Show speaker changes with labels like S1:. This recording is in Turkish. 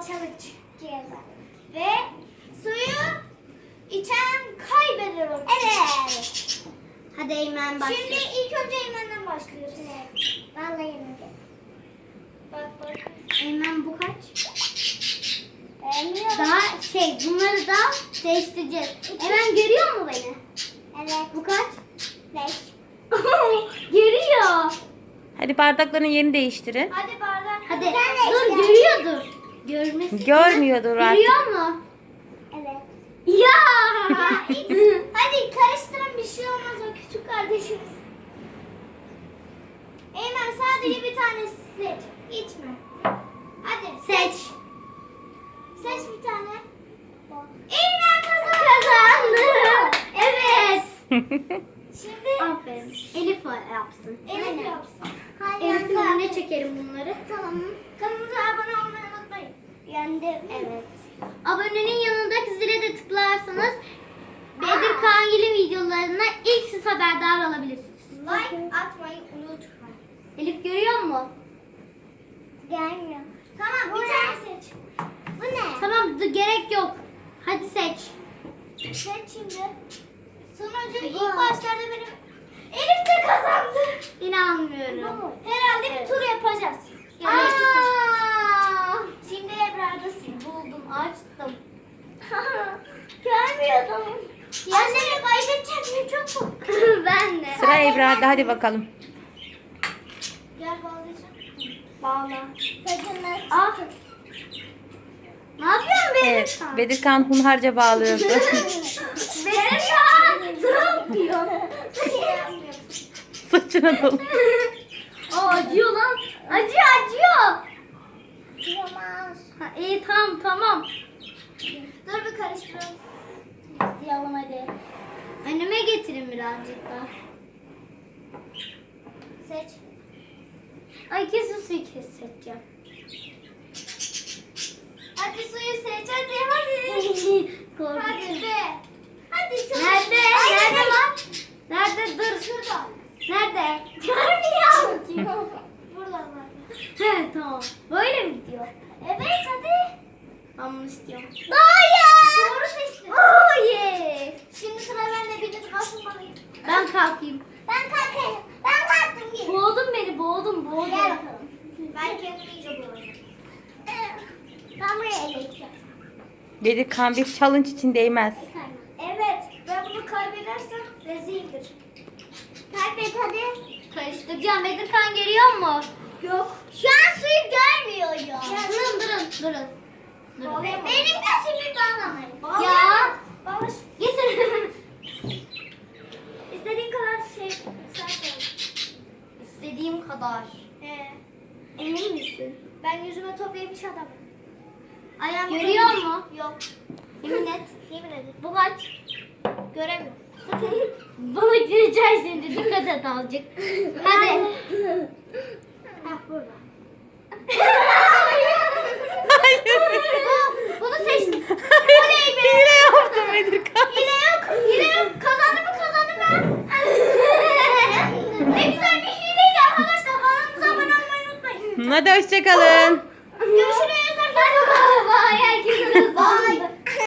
S1: challenge. Ve suyu içen kaybeder olur. Evet.
S2: Hadi Eymen başla.
S1: Şimdi ilk önce Eymen'den başlıyoruz. Evet. Vallahi yenildim. Bak.
S2: Eymen bu kaç?
S1: Beğenmiyorum.
S2: Daha bunları da değiştireceğiz. Eymen görüyor mu beni?
S1: Evet.
S2: Bu kaç?
S1: 5.
S2: Görüyor.
S3: Hadi bardakların yerini değiştirin.
S1: Hadi bardak.
S2: Hadi
S1: Sen
S2: dur
S1: de
S2: görüyordur. Görmesi.
S3: Görmüyordur artık.
S2: Görüyor mu?
S1: Evet.
S2: Ya.
S1: Hadi karıştırın, bir şey olmaz, o küçük kardeşimiz. Eymen sadece bir tane seç. İçme. Hadi
S2: Seç.
S1: Seç bir tane. Eymen
S2: Kazandı. Evet.
S1: Şimdi
S2: Aferin. Elif yapsın.
S1: Elif yapsın.
S2: Elif'in önüne çekelim bunları.
S1: Tamam. Kanalımıza abone olmayı unutmayın.
S2: Yendim. Evet. Abonenin yanındaki zile de tıklarsanız Bedir Kangil'in videolarına ilk siz haberdar olabilirsiniz.
S1: Like atmayı unutmayın.
S2: Elif görüyor mu?
S1: Gelmiyor. Tamam, bir tane seç. Bu ne?
S2: Tamam gerek yok. Hadi seç.
S1: Seç şimdi. Sonucu ilk başlarda benim Elif de kazandı.
S2: İnanmıyorum.
S1: Herhalde bir tur yapacağız. Yani iki tur. Şimdi Ebrar'dasın.
S2: Buldum, açtım.
S1: Görmüyordum. Ya seni kaybedeceğim, çok korkuyorum.
S2: Ben de.
S3: Sıra Ebrar'da, hadi bakalım.
S1: Gel bağlayacağım.
S2: Bağla.
S1: Tadını.
S2: Ah. Ne yapıyorsun benim?
S3: Evet, Bedirkan hunharca bağlıyordu.
S2: Benim ne yapıyor?
S3: Saçına dolu.
S2: Acıyor lan. Acıyor.
S1: Yamaz.
S2: İyi tamam.
S1: Dur bir karıştıralım.
S2: Yalım hadi. Önüme getirin birazcık daha.
S1: Seç.
S2: Ay kesin suyu seçeceğim.
S1: Hadi suyu seç, hadi.
S2: Korkuyorum.
S1: Hadi be. Hadi çok.
S2: Nerede?
S1: Hadi
S2: Nerede
S1: be.
S2: lan? Nerede? Dur.
S1: Şurada.
S2: Nerede?
S1: Görmüyor. Buradan var.
S2: He tamam. Böyle mi gidiyor?
S1: Evet, hadi.
S2: Ben bunu istiyorum.
S1: Hayır. Doğru seçtin.
S2: Oh yeah.
S1: Şimdi sıra bende, bir kalkmalıyım.
S2: Ben kalkayım.
S1: Ben kalkayım. Ben kalktım gibi.
S2: Boğdun beni boğdum.
S1: Gel bakalım. Ben kendimi iyice bulalım. Ben buraya eleyeceğim.
S3: Bedirkan bir challenge için değmez.
S1: Evet, ben bunu kaybedersem rezildir. Kaybet hadi.
S2: Karıştıracağım. Bedirkan görüyor mu?
S1: Yok. Şu an suyu görmüyorum.
S2: Durun.
S1: Benim de suyu bağlamayın.
S2: Ya.
S1: Bağlaş.
S2: Getir.
S1: İstediğin kadar şey sen
S2: İstediğim kadar. Emin misin?
S1: Ben yüzüme top yemiş adamım. Ayağım
S2: Görüyor mu?
S1: Yok.
S2: Yemin et.
S1: Yemin ederim.
S2: Bu kaç?
S1: Göremiyorum.
S2: Bana gireceksin şimdi. Dikkat et azıcık. Hadi.
S1: Hah, burada.
S2: Bunu seçtim.
S3: Hile yaptım Bedirkan.
S1: Hile yok. Kazandım ben. Ne güzel bir hileydi arkadaşlar. Kanalımıza abone olmayı unutmayın.
S3: Hadi hoşçakalın.
S1: Görüşürüz.
S2: Bye. Herkese.
S1: Bye.